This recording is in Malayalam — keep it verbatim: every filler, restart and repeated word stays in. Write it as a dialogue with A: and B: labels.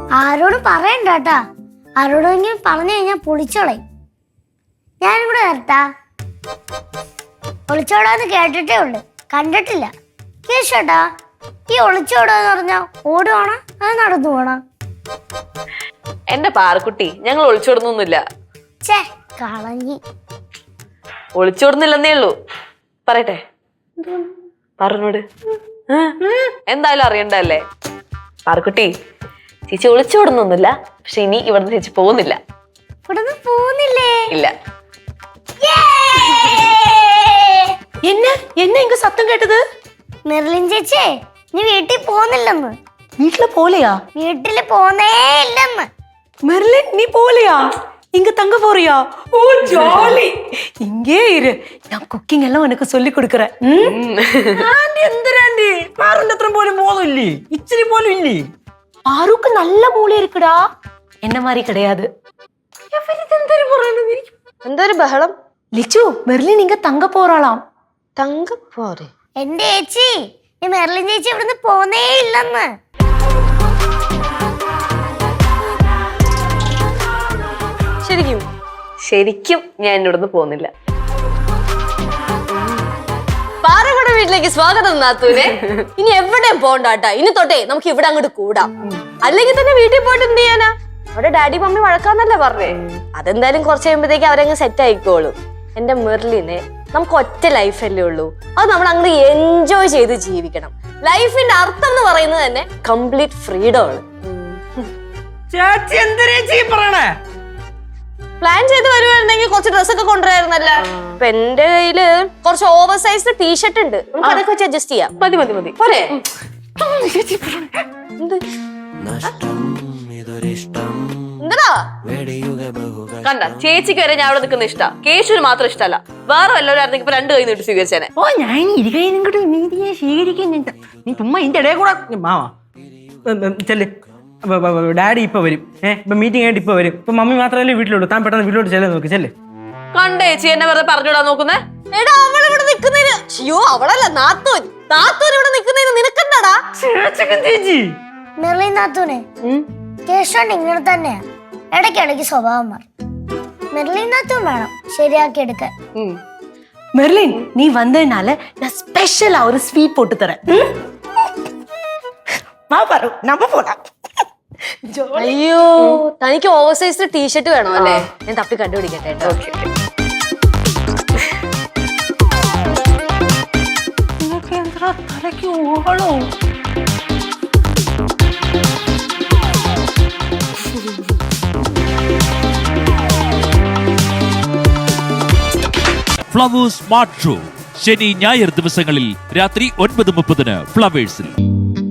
A: ആരോടും പറയണ്ട കേട്ടാ. ആരോടെങ്കിലും പറഞ്ഞു കഴിഞ്ഞാൽ പൊളിച്ചോളയും. ഞാനും കൂടെ വരട്ടാ. ഒളിച്ചോടാന്ന് കേട്ടിട്ടേ ഉള്ളു, കണ്ടിട്ടില്ല. കേശോട്ടാ, ഈ ഒളിച്ചോടാന്ന് പറഞ്ഞാ ഓടുവാണോ അത് നടന്നു പോണോ?
B: എന്റെ പാറക്കുട്ടി, ഞങ്ങൾ ഒളിച്ചോടുന്നൊന്നുമില്ല.
A: ചേ കളഞ്ഞി.
B: ഒളിച്ചോടുന്നില്ലെന്നേ ഉള്ളൂ. പറയട്ടെ, പറഞ്ഞോട്. എന്തായാലും അറിയണ്ടല്ലേ. പാറക്കുട്ടി, ചേച്ചി ഒളിച്ചോടുന്നൊന്നുമില്ല. പക്ഷെ ഇനി ഇവിടുന്ന് ചേച്ചി പോകുന്നില്ല.
A: ഇവിടുന്ന് പോകുന്നില്ലേ?
B: ഇല്ല.
C: என்ன என்ன இங்க சத்தம் கேட்டது?
A: മെർലിൻ ചേച്ചി നീ വീട്ടിൽ പോകുന്നില്ലെന്ന്.
C: வீட்ல போலையா?
A: വീട്ടില് പോന്നേ ഇല്ലെന്ന്.
C: மெர்லின் நீ போலையா? இங்க தங்க போறியா? ஓ ஜாலி. இங்கே இரு, நான் குக்கிங் எல்லாம் உனக்கு சொல்லி கொடுக்கறேன்.
D: ആന്റി എന്തിനാന്റി? പാറുന്റെ അത്ര പോലും ബോധമില്ലേ? ഇച്ചിരി പോലും ഇല്ലേ?
C: பாருக்கு நல்ல மூளை இருக்குடா, என்ன மாதிரி கிடையாது.
B: എന്തൊരു ബഹളം?
C: லிச்சு, மெர்லின் இங்க தங்க போறாளாம்.
B: തങ്ക പോരെ?
A: എന്റെ ചേച്ചി, ഈ മെർലിൻ ചേച്ചി ഇവിടുന്ന് പോന്നേ ഇല്ലെന്ന്.
B: ശരിക്കും ശരിക്കും ഞാൻ ഇവിടുന്ന് പോകുന്നില്ല.
E: പാറയുടെ വീട്ടിലേക്ക് സ്വാഗതം നാത്തൂനെ. ഇനി എവിടെയും പോണ്ടാട്ടാ. ഇനി തൊട്ടേ നമുക്ക് ഇവിടെ അങ്ങോട്ട് കൂടാം. അല്ലെങ്കിൽ തന്നെ വീട്ടിൽ പോയിട്ട് എന്ത് ചെയ്യാനാ? അവിടെ ഡാഡി മമ്മി വഴക്കാന്നല്ലേ പറഞ്ഞേ. അതെന്തായാലും കുറച്ച് കഴിയുമ്പോഴത്തേക്ക് അവരങ്ങ് സെറ്റ് ആയിക്കോളും. എന്റെ മെർലിനെ, നമുക്ക് ഒറ്റ ലൈഫല്ലേ ഉള്ളൂ. അത് നമ്മൾ അങ്ങ് എൻജോയ് ചെയ്ത് ജീവിക്കണം. ലൈഫിന്റെ അർത്ഥം എന്ന് പറയുന്നത് തന്നെ കംപ്ലീറ്റ് ഫ്രീഡം ആണ്.
D: ചേച്ചി എന്തിനേച്ചി പറയണേ?
E: പ്ലാൻ ചെയ്ത് വരുവായിരുന്നെങ്കിൽ കുറച്ച് ഡ്രസ്സൊക്കെ കൊണ്ടുവരായിരുന്നല്ലോ. ഇപ്പൊ എന്റെ കയ്യില് കുറച്ച് ഓവർ സൈസ് ടീഷർട്ട് ഉണ്ട്. നമുക്ക് അതൊക്കെ വെച്ച് അഡ്ജസ്റ്റ് ചെയ്യാം.
B: മതി മതി മതി
E: പോരെ? എന്താ
B: കണ്ട, ചേച്ചിക്ക് വരെ ഞാൻ അവിടെ നിൽക്കുന്ന ഇഷ്ടാ. കേശുവിന് മാത്രം ഇഷ്ടമല്ല. വേറെ വല്ലവരും ഇപ്പൊ രണ്ട് കൈ നീട്ടി സ്വീകരിച്ചേനെ.
D: ഓ ഞാൻ ഇരു കൈ നിങ്ങോട്ട് നീതിയെ സ്വീകരിക്കുന്നുണ്ട്. നീ ചുമ്മാ ഇതിന്റെ ഇടയിൽ കൂടെ മാവാ ചെല്ല്. ഡാഡി ഇപ്പൊ വരും. ഏഹ് ഇപ്പൊ മീറ്റിംഗ് ആയിട്ട് ഇപ്പൊ വരും. ഇപ്പൊ മമ്മി മാത്രമല്ലേ വീട്ടിലുള്ളൂ. താൻ പെട്ടെന്ന് വീട്ടിലോട്ട് ചെല്ലാൻ നോക്ക്. ചെല്ല്.
B: കണ്ടേ ചേച്ചി എന്നെ വെറുതെ പറഞ്ഞുവിടാൻ നോക്കുന്നേ.
E: എടാ, അവൾ ഇവിടെ നിക്കുന്നതിന്, അയ്യോ അവളല്ല നാത്തൂൻ. നാത്തൂൻ ഇവിടെ നിക്കുന്നതിന് നിനക്കെന്താടാ?
D: ചേച്ചി
A: മെർലിൻ നാത്തൂനെ, കേശോണ്ട് ഇങ്ങനെ തന്നെയാ. ഇടയ്ക്കിടയ്ക്ക് സ്വഭാവം മാറും. മെർലിൻ നാത്തൂൻ വേണം ശരിയാക്കി എടുക്കാൻ.
C: மெர்லின், நீ வந்ததுனால நான் ஸ்பெஷலா ஒரு ஸ்வீட் போட்டு தரேன். வா பாரு, நம்ம போலாம்.
E: അയ്യോ, തനിക്ക് ഓവർ സൈസ് ടീഷർട്ട് വേണോ അല്ലേ? ഞാൻ തപ്പി കണ്ടുപിടിക്കട്ടെ കേട്ടോ.
C: തലയ്ക്ക് ഓളോ?
F: ഫ്ലവേഴ്സ് സ്മാർട്ട് ഷോ ശനി ഞായർ ദിവസങ്ങളിൽ രാത്രി ഒൻപത് മുപ്പതിന് ഫ്ലവേഴ്സിൽ.